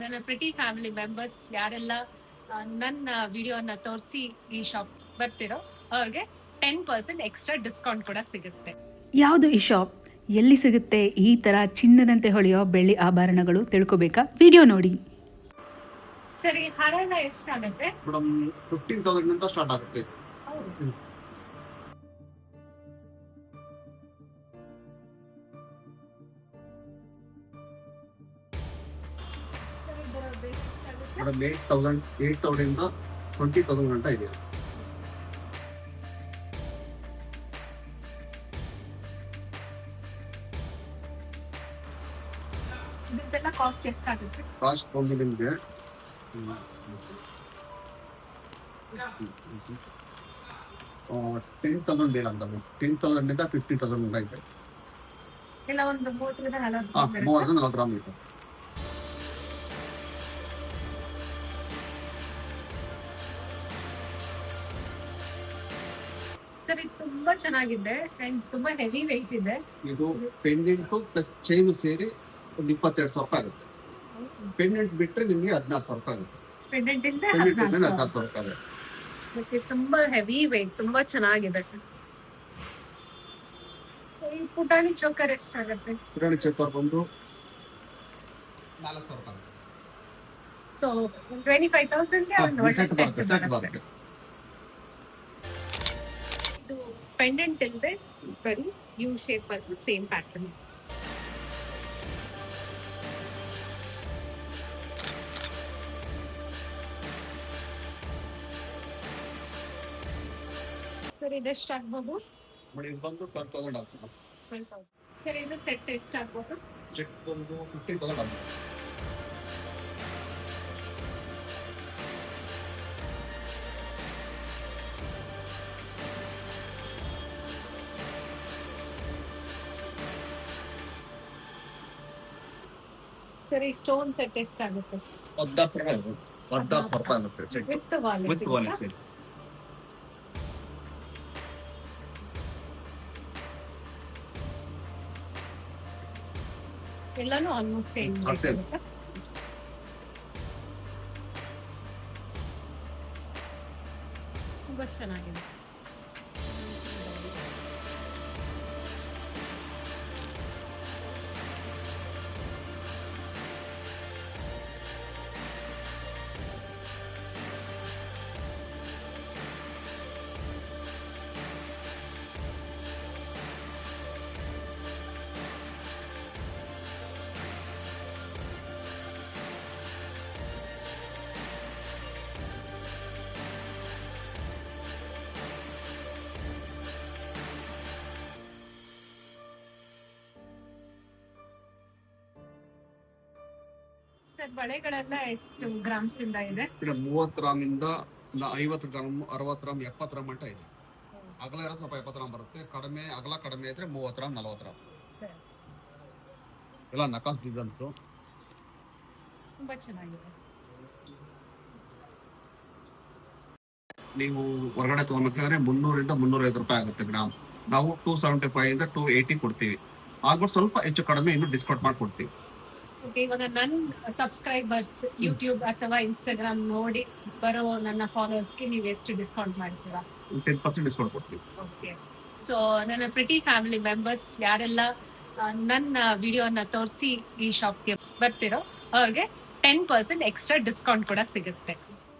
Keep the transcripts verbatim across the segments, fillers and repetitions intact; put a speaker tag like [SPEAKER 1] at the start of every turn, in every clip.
[SPEAKER 1] ನನ್ನ pretty family members ಯಾರೆಲ್ಲ ಆ, ನನ್ನ ವಿಡಿಯೋನ ತೋರಿಸಿ ಈ ಶಾಪ್ ಬರ್ತಿರೋ ಅವ್ರಿಗೆ ಟೆನ್ ಪರ್ಸೆಂಟ್ ಎಕ್ಸ್ಟ್ರಾ ಡಿಸ್ಕೌಂಟ್ ಕೂಡ ಸಿಗುತ್ತೆ.
[SPEAKER 2] ಯಾವುದು ಈ ಶಾಪ್, ಎಲ್ಲಿ ಸಿಗುತ್ತೆ ಈ ಥರ ಚಿನ್ನದಂತೆ ಹೊಳೆಯೋ ಬೆಳ್ಳಿ ಆಭರಣಗಳು ತಿಳ್ಕೊಬೇಕಾ? ವಿಡಿಯೋ ನೋಡಿ.
[SPEAKER 1] ಸರಿ, ಹಾರ ಎಷ್ಟಾಗುತ್ತೆ?
[SPEAKER 3] ಮೇಡಮ್ ಫಿಫ್ಟೀನ್ ತೌಸಂಡ್ ನಿಂದ ಸ್ಟಾರ್ಟ್ ಆಗುತ್ತೆ. ಹ್ಮ್.
[SPEAKER 1] ಸರಿ, ಇದರ ಬೆಲೆ ಎಷ್ಟಾಗುತ್ತೆ?
[SPEAKER 3] Madam eight thousand eight thousand ಇಂದ ಟ್ವೆಂಟಿ ತೌಸಂಡ್ ಗಂಟ ಇದೆ.
[SPEAKER 1] ಇದೆಲ್ಲ ಕಾಸ್ಟ್ ಎಷ್ಟಾಗುತ್ತೆ?
[SPEAKER 3] ಕಾಸ್ಟ್ ಬಂದು ನಿಮಗೆ ಟೆನ್ ತೌಸಂಡ್ ಬೇರೆ ಅಂತ ಟೆನ್ ತೌಸಂಡ್ ಇಂದ ಫಿಫ್ಟೀನ್ ತೌಸಂಡ್ ಗಂಟ ಇದೆ.
[SPEAKER 1] ಎಲ್ಲ ಒಂದು ಮೂವತ್ತರಿಂದ
[SPEAKER 3] ಹಾ
[SPEAKER 1] ನಲವತ್ತು
[SPEAKER 3] ಮೂವತ್ತು ನಲವತ್ತು ಗ್ರಾಮ್ ಇದೆ.
[SPEAKER 1] ಸರಿ, ತುಂಬಾ ಚೆನ್ನಾಗಿದೆ ಅಂಡ್ ತುಂಬಾ ಹೆವಿ ವೆಯ್ಟ್ ಇದೆ.
[SPEAKER 3] ಇದು ಪೆಂಡೆಂಟು ಪ್ಲಸ್ ಚೈನು ಸೇರಿ ಒಂದು ಇಪ್ಪತ್ತೆರಡು ಸಾವಿರ ರೂಪಾಯಿ ಆಗುತ್ತೆ. ಪೆಂಡೆಂಟ್ ಬಿಟ್ಟರೆ ನಿಮಗೆ ಹದಿನಾರು ಸಾವಿರ ರೂಪಾಯಿ ಆಗುತ್ತೆ.
[SPEAKER 1] ಪೆಂಡೆಂಟ್ ಇಲ್ಲದೆ
[SPEAKER 3] ಪೆಂಡೆಂಟ್
[SPEAKER 1] ಹದಿನಾರು
[SPEAKER 3] ಇದ್ರೆ
[SPEAKER 1] ಸಾವಿರ.
[SPEAKER 3] ಹದಿನಾರು ಸಾವಿರ ರೂಪಾಯಿ ಆಗುತ್ತೆ.
[SPEAKER 1] ಮತ್ತೆ ತುಂಬಾ ಹೆವಿ ವೆಯ್ಟ್, ತುಂಬಾ ಚೆನ್ನಾಗಿದೆ. ಸರಿ, ಪುಟಾಣಿ ಚೋಕರ್ ಎಷ್ಟಾಗುತ್ತೆ?
[SPEAKER 3] ಕಿರಾಣಿ ಚಕ್ಕರ್ ಬಂದು ನಾಲ್ಕು ಸಾವಿರ ರೂಪಾಯಿ ಆಗುತ್ತೆ.
[SPEAKER 1] ಸೊ ಟ್ವೆಂಟಿ ಫೈವ್ ತೌಸಂಡ್ಗೆ ಒಂದು ಒಳ್ಳೆ
[SPEAKER 3] ಸೆಟ್ ಬರುತ್ತೆ
[SPEAKER 1] ಸೆಟ್
[SPEAKER 3] ಸೆಟ್
[SPEAKER 1] ಬರುತ್ತೆ.
[SPEAKER 3] ಬರುತ್ತೆ.
[SPEAKER 1] ಇದು ಪೆಂಡೆಂಟ್ ಇಲ್ಲದೆ ಬರೀ ಯು ಶೇಪ್ ಅಲ್ಲಿ ಸೇಮ್ ಪ್ಯಾಟರ್ನ್. ಸರಿ, ಇದೆಷ್ಟು ಆಗ್ಬೋದು?
[SPEAKER 3] ನೋಡಿ ಇದು ಬಂದು ಟ್ವೆಲ್ ತೌಸಂಡ್ ಆಗ್ತದೆ.
[SPEAKER 1] ಸರಿ, ಇದು ಸೆಟ್ ಎಷ್ಟಾಗ್ಬೋದು?
[SPEAKER 3] ಸೆಟ್ ಬಂದು ಫಿಫ್ಟೀನ್ ತೌಸಂಡ್ ಆಗುತ್ತೆ.
[SPEAKER 1] ಸರಿ, ಸ್ಟೋನ್ ಸೆಟ್ ಎಷ್ಟಾಗುತ್ತೆ?
[SPEAKER 3] ಹದಿನಾರು ಸಾವಿರ ರೂಪಾಯಿ ಆಗುತ್ತೆ. ಹದಿನಾರು ಸಾವಿರ ರೂಪಾಯಿ ಆಗುತ್ತೆ ಸೆಟ್
[SPEAKER 1] ವಿತ್ ವಾಲೆ
[SPEAKER 3] ವಿತ್ ವಾಲೆ ಸೆಟ್.
[SPEAKER 1] ಎಲ್ಲಾನು ಆಲ್ಮೋಸ್ಟ್ ಸೇಮ್
[SPEAKER 3] ಹಾ, same.
[SPEAKER 1] ತುಂಬಾ ಚೆನ್ನಾಗಿದೆ. ಸರ್, ಬಳೆಗಳೆಲ್ಲ ಎಷ್ಟು ಗ್ರಾಮ್ಸ್ ಇಂದ ಇದೆ?
[SPEAKER 3] ಈಗ ಮೂವತ್ತು ಗ್ರಾಮ್ ಇಂದ ನ- ಐವತ್ತು ಗ್ರಾಮ್ ಅರವತ್ತು ಗ್ರಾಮ್ ಎಪ್ಪತ್ತು ಗ್ರಾಮ್ ಮಟ್ಟ ಇದೆ. ಅಗಲ ಇರೋ ಸ್ವಲ್ಪ ಎಪ್ಪತ್ತು ಗ್ರಾಮ್ ಬರುತ್ತೆ. ಕಡಿಮೆ ಅಗಲ ಕಡಿಮೆ ಇದ್ರೆ ಮೂವತ್ತು ಗ್ರಾಮ್ ನಲವತ್ತು ಗ್ರಾಮ್.
[SPEAKER 1] ಸರ್,
[SPEAKER 3] ಎಲ್ಲ ನಕಾಸ್ ಡಿಸೈನ್ಸು.
[SPEAKER 1] ತುಂಬಾ ಚೆನ್ನಾಗಿದೆ.
[SPEAKER 3] ನೀವು ಹೊರಗಡೆ ತಗೋಬೇಕಾದ್ರೆ ಮುನ್ನೂರಿಂದ ಮುನ್ನೂರೈವತ್ತು ರೂಪಾಯಿ ಆಗುತ್ತೆ ಗ್ರಾಮ್. ನಾವು ಟೂ ಸೆವೆಂಟಿ ಫೈವ್ ಇಂದ ಟೂ ಏಯ್ಟಿ ಕೊಡ್ತೀವಿ. ಆಗ್ಬಿಟ್ಟು ಸ್ವಲ್ಪ ಹೆಚ್ಚು ಕಡಿಮೆ ಇನ್ನು ಡಿಸ್ಕೌಂಟ್ ಮಾಡಿ ಕೊಡ್ತೀವಿ.
[SPEAKER 1] ಓಕೆ, ಇವಾಗ ನನ್ನ ಸಬ್ಸ್ಕ್ರೈಬರ್ಸ್ ಯೂಟ್ಯೂಬ್ ಅಥವಾ ಇನ್ಸ್ಟಾಗ್ರಾಮ್ ನೋಡಿ ಬರೋ ನನ್ನ ಫಾಲೋವರ್ಸ್ಗೆ ನೀವು ಎಷ್ಟು ಡಿಸ್ಕೌಂಟ್ ಮಾಡ್ತೀರಾ?
[SPEAKER 3] ಟೆನ್ ಪರ್ಸೆಂಟ್ ಡಿಸ್ಕೌಂಟ್ ಕೊಡ್ತೀವಿ.
[SPEAKER 1] ಓಕೆ, ಸೊ ನನ್ನ ಪ್ರಿಟಿ ಫ್ಯಾಮಿಲಿ ಮೆಂಬರ್ಸ್ ಯಾರೆಲ್ಲ ಆ, ನನ್ನ ವಿಡಿಯೋನ ತೋರಿಸಿ ಈ ಶಾಪ್ಗೆ ಬರ್ತಿರೋ ಅವ್ರಿಗೆ ಟೆನ್ ಪರ್ಸೆಂಟ್ ಎಕ್ಸ್ಟ್ರಾ ಡಿಸ್ಕೌಂಟ್ ಕೂಡ ಸಿಗುತ್ತೆ.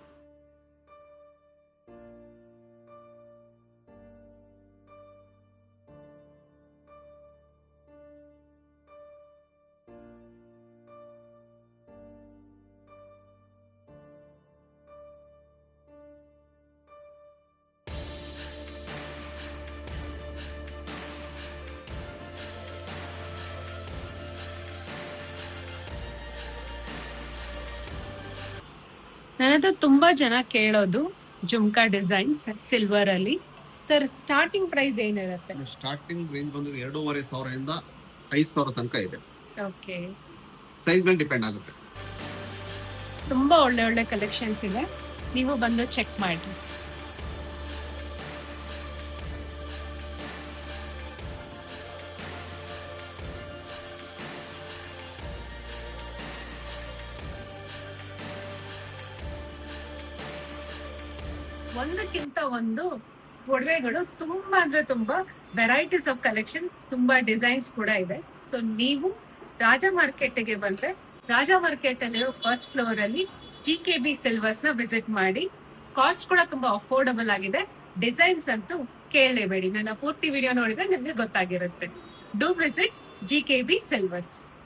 [SPEAKER 1] ನನ್ನದು ತುಂಬಾ ಜನ ಕೇಳೋದು ಜುಮ್ಕಾ ಡಿಸೈನ್ಸ್ ಸಿಲ್ವರ್ ಅಲ್ಲಿ. ಸರ್, ಸ್ಟಾರ್ಟಿಂಗ್ ಪ್ರೈಸ್ ಏನಿರುತ್ತೆ?
[SPEAKER 3] ಸ್ಟಾರ್ಟಿಂಗ್ ರೇಂಜ್ ಬಂದು ಎರಡೂವರೆ ಸಾವಿರದಿಂದ ಐದು ಸಾವಿರ ತನಕ ಇದೆ.
[SPEAKER 1] ಓಕೆ,
[SPEAKER 3] ಸೈಜ್ ಮೇಲೆ ಡಿಪೆಂಡ್ ಆಗುತ್ತೆ.
[SPEAKER 1] ತುಂಬಾ ಒಳ್ಳೆ ಒಳ್ಳೆ ಕಲೆಕ್ಷನ್ಸ್ ಇದೆ, ನೀವು ಬಂದು ಚೆಕ್ ಮಾಡಿ. ಒಂದಕ್ಕಿಂತ ಒಂದು ಒಡವೆಗಳು ತುಂಬಾ ಅಂದ್ರೆ ತುಂಬಾ ವೆರೈಟೀಸ್ ಆಫ್ ಕಲೆಕ್ಷನ್, ತುಂಬಾ ಡಿಸೈನ್ಸ್ ಕೂಡ ಇದೆ. ಸೊ ನೀವು ರಾಜ ಮಾರ್ಕೆಟ್ಗೆ ಬಂದ್ರೆ ರಾಜ ಮಾರ್ಕೆಟ್ ಅಲ್ಲಿರೋ ಫಸ್ಟ್ ಫ್ಲೋರ್ ಅಲ್ಲಿ ಜಿ ಕೆ ಬಿ ಸಿಲ್ವರ್ಸ್ ನ ವಿಸಿಟ್ ಮಾಡಿ. ಕಾಸ್ಟ್ ಕೂಡ ತುಂಬಾ ಅಫೋರ್ಡಬಲ್ ಆಗಿದೆ. ಡಿಸೈನ್ಸ್ ಅಂತೂ ಕೇಳಲೇಬೇಡಿ, ನನ್ನ ಪೂರ್ತಿ ವಿಡಿಯೋ ನೋಡಿದ್ರೆ ನಿಮ್ಗೆ ಗೊತ್ತಾಗಿರುತ್ತೆ. Do visit G K B silvers.